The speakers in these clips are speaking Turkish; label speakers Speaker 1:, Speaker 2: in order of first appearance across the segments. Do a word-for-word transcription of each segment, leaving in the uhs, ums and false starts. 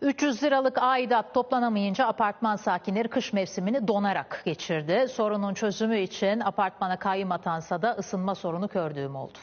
Speaker 1: üç yüz liralık aidat toplanamayınca apartman sakinleri kış mevsimini donarak geçirdi. Sorunun çözümü için apartmana kayyum atansa da ısınma sorunu gördüğüm oldu.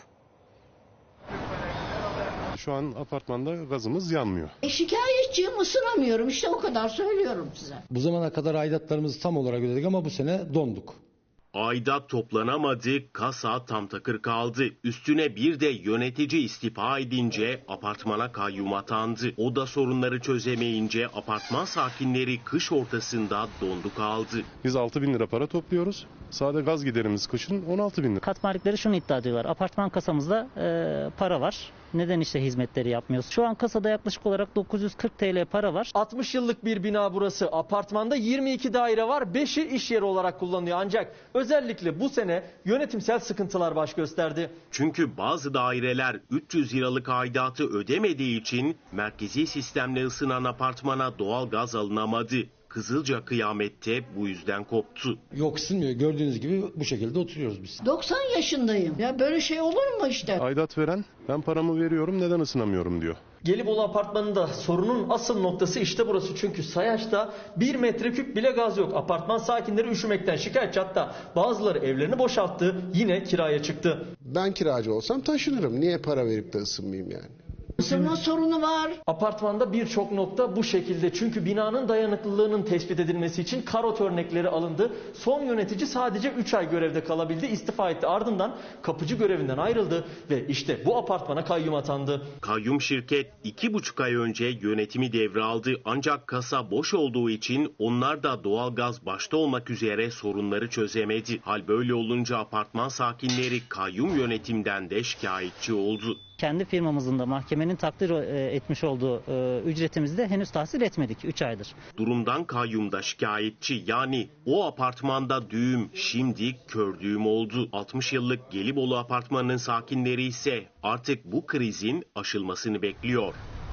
Speaker 2: Şu an apartmanda gazımız yanmıyor.
Speaker 3: E, şikayetçiyim, ısınamıyorum, işte o kadar söylüyorum size.
Speaker 4: Bu zamana kadar aidatlarımızı tam olarak ödedik ama bu sene donduk.
Speaker 5: Aidat toplanamadı, kasa tam takır kaldı. Üstüne bir de yönetici istifa edince apartmana kayyum atandı. O da sorunları çözemeyince apartman sakinleri kış ortasında dondu kaldı.
Speaker 2: Biz altı bin lira para topluyoruz. Sade gaz giderimiz kışın on altı bin lira.
Speaker 6: Kat malikleri şunu iddia ediyorlar. Apartman kasamızda e, para var. Neden işte hizmetleri yapmıyoruz? Şu an kasada yaklaşık olarak dokuz yüz kırk TL para var.
Speaker 7: altmış yıllık bir bina burası. Apartmanda yirmi iki daire var. beşi iş yeri olarak kullanılıyor. Ancak özellikle bu sene yönetimsel sıkıntılar baş gösterdi.
Speaker 5: Çünkü bazı daireler üç yüz liralık aidatı ödemediği için merkezi sistemle ısınan apartmana doğal gaz alınamadı. Kızılca kıyamette bu yüzden koptu.
Speaker 4: Yok ısınmıyor. Gördüğünüz gibi bu şekilde oturuyoruz biz.
Speaker 3: doksan yaşındayım. Ya böyle şey olur mu işte?
Speaker 2: Aidat veren ben paramı veriyorum neden ısınamıyorum diyor.
Speaker 7: Gelibolu Apartmanı'nda sorunun asıl noktası işte burası. Çünkü sayaçta bir metreküp bile gaz yok. Apartman sakinleri üşümekten şikayetçi, hatta bazıları evlerini boşalttı, yine kiraya çıktı.
Speaker 8: Ben kiracı olsam taşınırım. Niye para verip de ısınmayayım yani?
Speaker 3: Isınma sorunu var.
Speaker 7: Apartmanda birçok nokta bu şekilde. Çünkü binanın dayanıklılığının tespit edilmesi için karot örnekleri alındı. Son yönetici sadece üç ay görevde kalabildi, istifa etti. Ardından kapıcı görevinden ayrıldı ve işte bu apartmana kayyum atandı.
Speaker 5: Kayyum şirket iki buçuk ay önce yönetimi devraldı. Ancak kasa boş olduğu için onlar da doğalgaz başta olmak üzere sorunları çözemedi. Hal böyle olunca apartman sakinleri kayyum yönetimden de şikayetçi oldu.
Speaker 6: Kendi firmamızın da mahkemenin takdir etmiş olduğu ücretimizi de henüz tahsil etmedik üç aydır.
Speaker 5: Durumdan kayyumda şikayetçi, yani o apartmanda düğüm şimdi kör düğüm oldu. altmış yıllık Gelibolu apartmanının sakinleri ise artık bu krizin aşılmasını bekliyor.